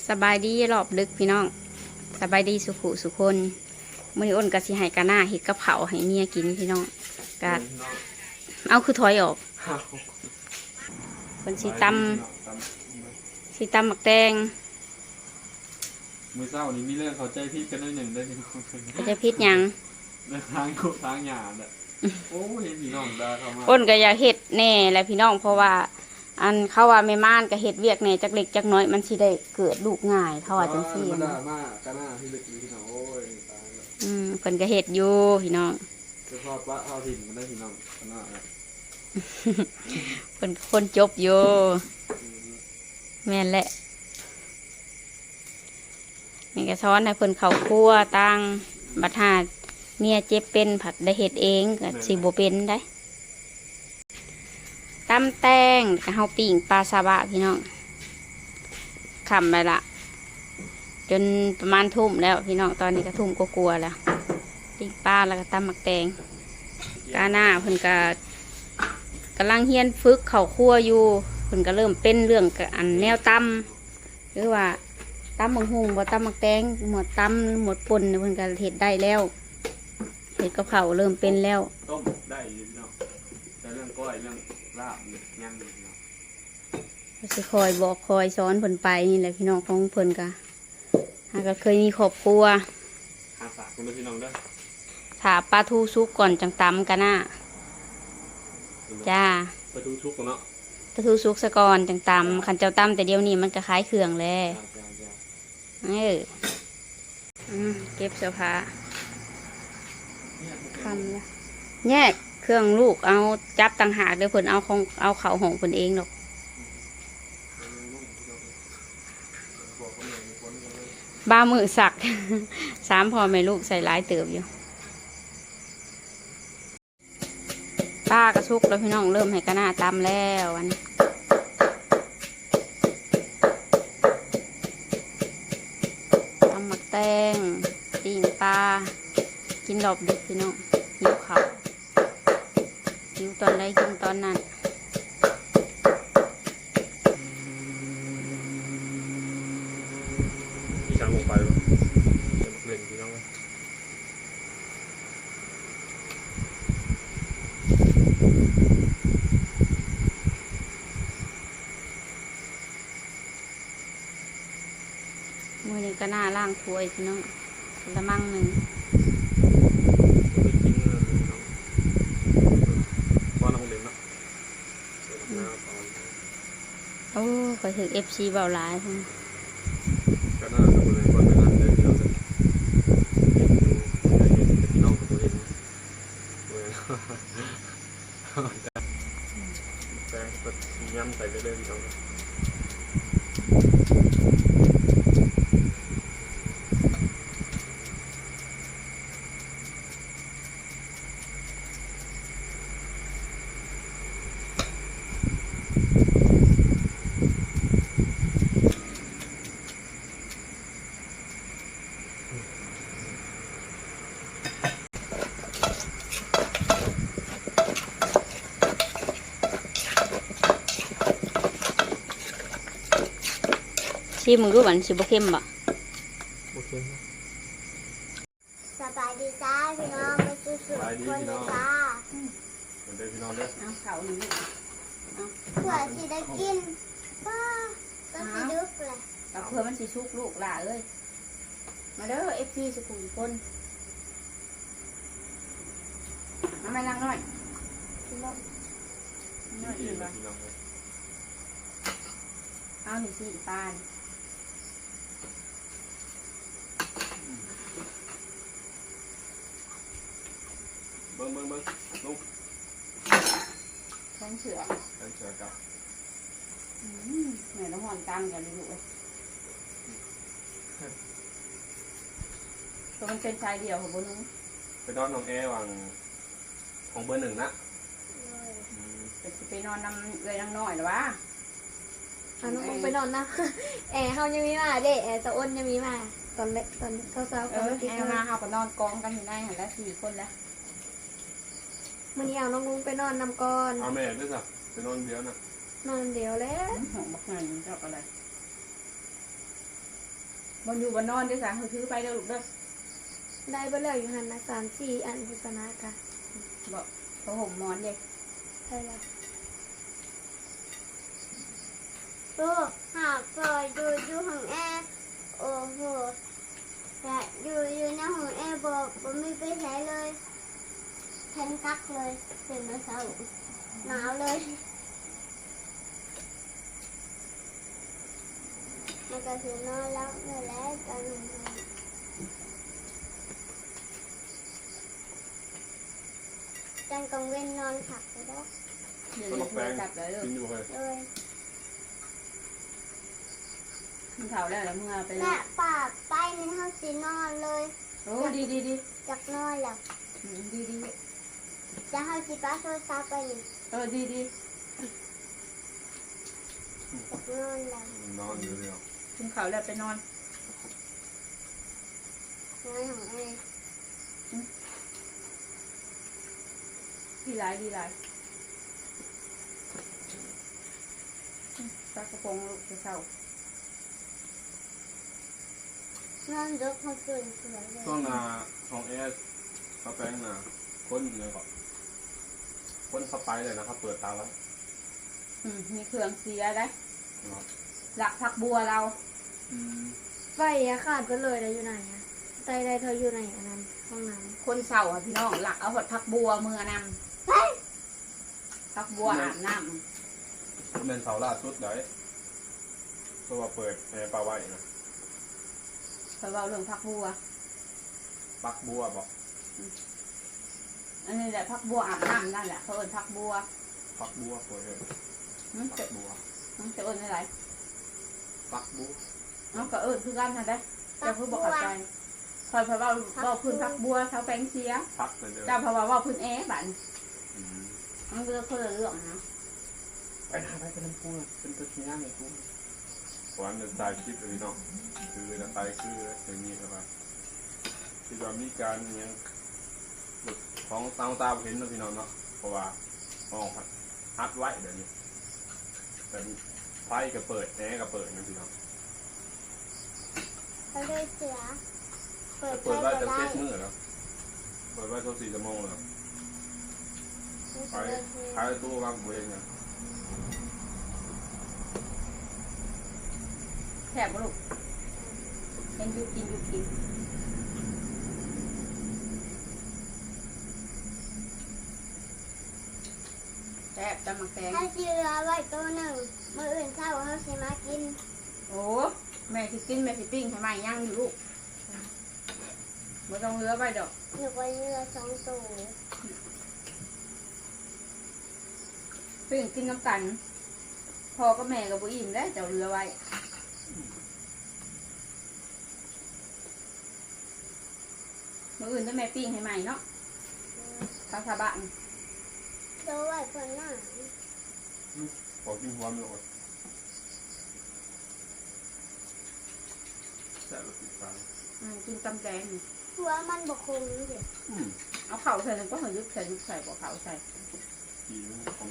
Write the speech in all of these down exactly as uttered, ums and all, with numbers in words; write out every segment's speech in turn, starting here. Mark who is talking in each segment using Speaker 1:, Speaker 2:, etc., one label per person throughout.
Speaker 1: สบายดีรอบลึกพี่น้องสบายดีสุขุสุคนมื้อนี้อ้นกะสิให้กะหน้าเฮ็ดกะเพราให้เมียกินพี่น้องกะเอาคือถอยออกคนสิตำสิตำหมักแตง
Speaker 2: มือเศร้านี้มีเรื่องเขาใจพิษกันด้วยหนึ่งได้พี่น้อง
Speaker 1: เขาจะพิษหยัง
Speaker 2: เรื่องทางโคทางหยาดอ่ะโอ้ยพี่น้องดาเข้ามา
Speaker 1: อ้นก็อยากเฮ็ดแน่แหละพี่น้องเพราะว่าอันเขาว่าแม่ม่านก็เฮ็ดเวียกแน่จักเล็กจักน้อยมันสิได้เกิดลูกง่ายเขาว่าจังซี่
Speaker 2: มันด่ามากกะหน้าที่เล็กพี่น้องโอ้ยตายแล้ว
Speaker 1: อืมเพิ่นก็เฮ็ดอยู่พี่น้อง
Speaker 2: จะทอดปลาทอดถิ่นมันได้พี่น้องกะหน้า
Speaker 1: เพิ่นคนจบอยู่แม่นแหละนี่ก็สอนให้เพิ่นเข้าครัวตั้งบัดหาเมียเจ็บเป็นผัดได้เฮ็ดเองก็สิบ่เป็นได้ตำแตงกับเฮาปิ้งปลาซาบะพี่น้องขำไปละจนประมาณทุ่มแล้วพี่น้องตอนนี้ก็ทุ่มก็กลัวแล้วปิ้งปลาแล้วก็ตำหมักแตงกาหน้าเพิ่นก็กำลังเฮียนฝึกเข่าครัวอยู่เพิ่นก็เริ่มเป็นเรื่องอันแนวตำหรือว่าตำหมักหุงบ่ตำหมักแตงหมดตำหมดป่นเพิ่นก็เฮ็ดได้แล้วเฮ็ดกับข้าวเริ่มเป็นแล้ว
Speaker 2: ต้มได้พี่น้องแต่เรื่องก้อยเรื่องลาบยังอยู่เนาะ
Speaker 1: สิคอยบอกคอยสอนเพิ่นไปนี่แหละพี่น้องของเพิ่นก็หาก็เคยมีครอบครัว
Speaker 2: หาฝากคุณพี่น้องด้วย
Speaker 1: ถาปลาทูซุกก่อนจังตำกันน่ะจ้า
Speaker 2: ปลาทูซุกเนาะ
Speaker 1: ปลาทูซุกซะก่อนจังตำขันเจ้าตำแต่เดี๋ยวนี้มันก็คล้ายเครื่องแล้วเออเก็บเสื้อผ้าทำแล้วแยกเครื่องลูกเอาจับต่างหากเดี๋ยวเพิ่นเอาของเอาเข่าของเพิ่นเองหรอกบ้ามือสักสามพ่อแม่ลูกใส่หลายเติบอยู่ป้ากระซุกแล้วพี่น้องเริ่มให้กระหน้าตำแล้ววันตำหมักแตงตีนปลากินหลบดึกพี่น้องหิวเขาหิวตอนใดกินตอนนั้น
Speaker 2: พี่ช้างลงไปวะเล่นพี่น้อง
Speaker 1: มือนี้ก็หน้าล่างถ้วยพี่น้องละมั่งหนึ่งโอ้ขอถึงเอฟซีเบาหลายพุ่ง
Speaker 2: ก็น่าจะเป็นคนเป็นอันเดียวเราจะพี่น้องกับตัวเองแต่ก็ย้ำใส่ไปเลยพี่น้อง
Speaker 1: ชิมมึงรู้มันชิบะเข้มบ่
Speaker 2: โอเค
Speaker 3: สบายดีจ้าพี่น้องมาสู้ๆคนเลยจ้า
Speaker 2: เหมือนเดิมพี่น้องเด้อ
Speaker 1: เอาเข่าหนึ่ง
Speaker 3: เพื่อที่ได้กินป้าก็สิดึกเลย
Speaker 1: เอาเพื่อมันสิชุกลูกหล่าเอ้ยมาเด้อเอฟซีสุขุมคนมาไม่นั่งหน่อยน้อยอีกบ่เอาหนึ่งสี่ปาน
Speaker 2: เบิ้งเบิ้งเบิ้งลุก
Speaker 1: แทงเสือ
Speaker 2: แทงเสือกับ
Speaker 1: เหนื่อยน้ำหอนตังกันเลยลูกเลยตัวมันเป็นชายเดียวของบนนู้น
Speaker 2: ไปนอนน้องแอร์วางของเบอร์หนึ่งนะ
Speaker 1: จะไปนอนน้ำเลยน้ำน้อยหรอวะ
Speaker 3: เอาน้องไปนอนนะแอร์เขายังมีมาเด็แอร์ตะอ้นยังมีมาตอนเล็กตอนเช้าๆ
Speaker 1: เออแอร์มาเขาก็นอนกองกันอยู่ในหันแล้วสี่คนแล้ว
Speaker 3: มันนี่เอาน้องลุงไปนอนนำก่อน
Speaker 2: เอาแม่ด้วยจ้ะไปนอนเดียวนะ
Speaker 3: นอนเดียวแล้ว
Speaker 1: หอมบักหน่อยเจ้าอะไรบนอยู่บนนอนด้วยสารเขาถือไปเด้อลูกเด้อ
Speaker 3: ได้ไปเลยอยู่หันนะสามสี่อันพิจารณากะ
Speaker 1: บอกเขาห่มหมอนเด็ก
Speaker 3: ใช่แล้ว
Speaker 4: โอ้หากปล่อยอยู่อยู่ห้องแอร์โอ้โหแต่อยู่อยู่ในห้องแอร์บอกผมไม่ไปใช้เลยแทนกักเลยเป็นมาเช้าหนาวเลยมันก็คือนอนแล้วเมื่อแล้วตอนนี้จันกังเว้นนอนขับไปแล้ว
Speaker 1: เดี๋ยวนี้เลยจับเลยเด้อ
Speaker 2: กินอยู่เลย
Speaker 4: เลย
Speaker 1: มันเผาแล้วแล้วเมื่อไปแล้
Speaker 4: แม่
Speaker 1: ว
Speaker 4: ป่าไปในห้องสีนอนเลย
Speaker 1: โอ้ดีดีดี
Speaker 4: จากนอนแล้ว
Speaker 1: อืมดีดี
Speaker 4: จะให้สิป้าโทรศัพท์ไปนี่
Speaker 1: เออดีดี
Speaker 4: จากนอนแล้ว
Speaker 2: นอนอยู่เดียว
Speaker 1: กินข้าวแล้วไปนอน
Speaker 4: นอนของแอร์
Speaker 1: ดีหลายดีหลายอืมปลากระพงลูกจะเศร้าน
Speaker 4: อนดึกเขาตื่นสวยเลย
Speaker 2: ช่วงนาของเอสเขาแป้งนาคนเลยก่อนคนเข้าไปเลยนะครับ เปิดตาไว้
Speaker 1: อืมมีเครื่องเสียได้
Speaker 2: เนาะ
Speaker 1: หลักผักบัวเรา
Speaker 2: อืม
Speaker 3: ไฟอะขาดไปเลยแล้วอยู่ไหนอะใจใดเธออยู่ไหนอันนั้นห้องน้
Speaker 1: คนเศร้าอ่ะพี่น้องหลักเอาหดผักบัวมือนำผักบัวอาบน้
Speaker 2: เป็นเสาล่าสุดเลยเพราะว่าเปิดแอร์ปลาไว้นะ
Speaker 1: ำเขาเอาเรื่องผักบัว
Speaker 2: ปักบัวบอก
Speaker 1: อันนี้แหละผักบัวอาบน้ำนั่นแหละเขาเอิ้นผักบัว
Speaker 2: ปักบัวเปิดเลย
Speaker 1: มัน
Speaker 2: ปั
Speaker 1: จะ
Speaker 2: กบัว
Speaker 1: มันจะเอิ้นอะไร
Speaker 2: ปักบัว
Speaker 1: น้องก็เอิ้นคือกันนะเด้เจ้าเพิ่งบอกเข้าใจคอยเพราะว่าว่าพื้นผักบัวเขาแปลงเสีย
Speaker 2: พักเลยเด้อ
Speaker 1: เจ้าเพราะว่าว่าพื้นแอบัน
Speaker 2: อืม
Speaker 1: มันเลือกคนละเรื่องนะ
Speaker 2: ไปหาไปเป็นปูเป็นตัวชี้หน้าในปูวันจะตายคลิปเลยเนาะคือจะตายคืออย่างนี้ครับที่ว่ามีการยังของตาตาเห็นนะพี่น้องเนาะเพราะว่าห้องฮัดไว้เดี๋ยวนี้แต่ไฟก็เปิดแอร์ก็เปิดนะพี่น้อง
Speaker 4: เขาเลยเสือเปิด
Speaker 2: เปิด
Speaker 4: ไฟ
Speaker 2: ไว้
Speaker 4: ก็
Speaker 2: ตั้ง
Speaker 4: ได้
Speaker 2: เจ็ดมื้อแล้วเปิดไว้ตัวสี่ชั่วโมงแล้วไปขายตู้วางเวงเนี่ย
Speaker 1: แถบลูกเห็นอยุกินอยุกินแถบตำมักแตง
Speaker 4: ถ้าเสือไว้ตัวหนึ่งมืออื่นเช้าเขาสิมากิน
Speaker 1: โอ้แม่สิกินแม่สิปิ้งให้ใหม่ย่างอยู่ลูกไม่ต้องเลือไปดอก
Speaker 4: หนูไปเรือสองตัว
Speaker 1: ปิ้งกินน้ำกันพอก็แม่กับบุอิ่มแล้วเจ้าเรือไว้เมื่ออื่นจะแม่ปิ้งให้ใหม่เนาะข้าวสาบะ
Speaker 4: ตัวไว้คนหน้า
Speaker 2: ขอกินหัวมันก่อนแซ่บติดฟัง
Speaker 1: อืมกินตำแกง
Speaker 4: หัวมันบกคงเดี๋ยว
Speaker 2: อืม
Speaker 1: เอาเข่าใส่แล้วก็หัวยุบใส่ยุบใส่บ่เข่าใส่
Speaker 2: ดีมันของ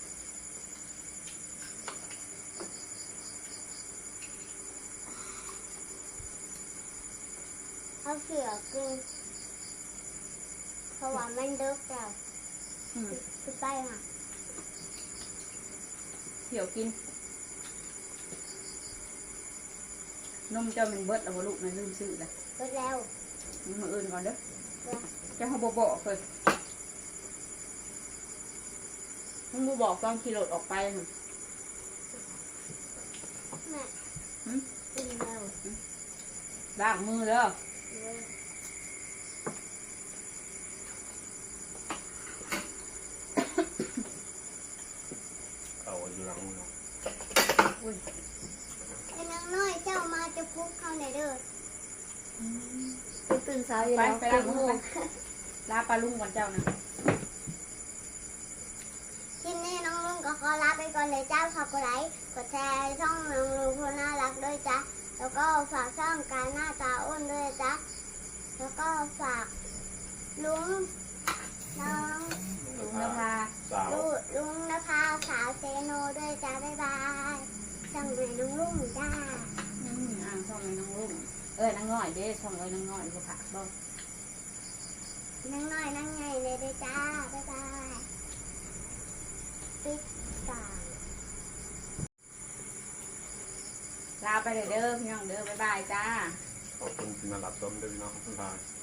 Speaker 4: เอาเสือกินเพราะว่ามันเลิกแล้ว
Speaker 1: อืม
Speaker 4: คือไปค่ะ
Speaker 1: เที่ยวกินนมเจ้ามันเบิดแล้วบ่ลูกมันลืมซื้อเลย
Speaker 4: เลิกแล้ว
Speaker 1: มาอื่นก่อนเด้อ
Speaker 4: เลิก
Speaker 1: เจ้าเขาบ่บอกเลยมึงบ่บอกตอนขี่รถออกไปหั่น
Speaker 4: แม่
Speaker 1: หืม
Speaker 4: กินแล้ว
Speaker 1: ล้างมือเด้อ
Speaker 4: เลิก
Speaker 2: เขาอยู่หลังมือ
Speaker 1: อุ้ย
Speaker 4: ไอ้นางน้อยเจ้ามาจะพุกเข้าในเด้อ
Speaker 3: ำไปตื่นเช้าอยู่
Speaker 1: ไป
Speaker 3: แล้ว
Speaker 1: ไปล้างมือไปลาปลาลุงก่อนเจ้านะ
Speaker 4: คลิปนี้น้องลุงก็ขอลาไปก่อนเลยจ้าขอบคุณไลค์กดแชร์ช่องน้องลุงคนน่ารักด้วยจ้าแล้วก็ฝากช่องการหน้าตาอ้วนด้วยจ้าแล้วก็ฝากลุงน้อง
Speaker 1: ลุงนภา
Speaker 2: สาว
Speaker 4: ลุงลุงนภาสาวเซโนด้วยจ้าบ๊ายบายช่องแม่น้องลุงจ้า
Speaker 1: อืมอ่างช่องไอ้น้องลุง
Speaker 4: บ
Speaker 1: เอ้ยนางน้อยเด้ช่องเอ้ยนางน้อยบ่ผักบ่
Speaker 4: นั่งน้อยนั่งใหญ่เลยเด้อจ้าบ๊ายบายปิดตา
Speaker 1: ลาไปเลยเด้อพี่น้องเด้อบ๊ายบายจ้า
Speaker 2: ขอบคุณที่มารับชมด้วยพี่น้องทุกท่าน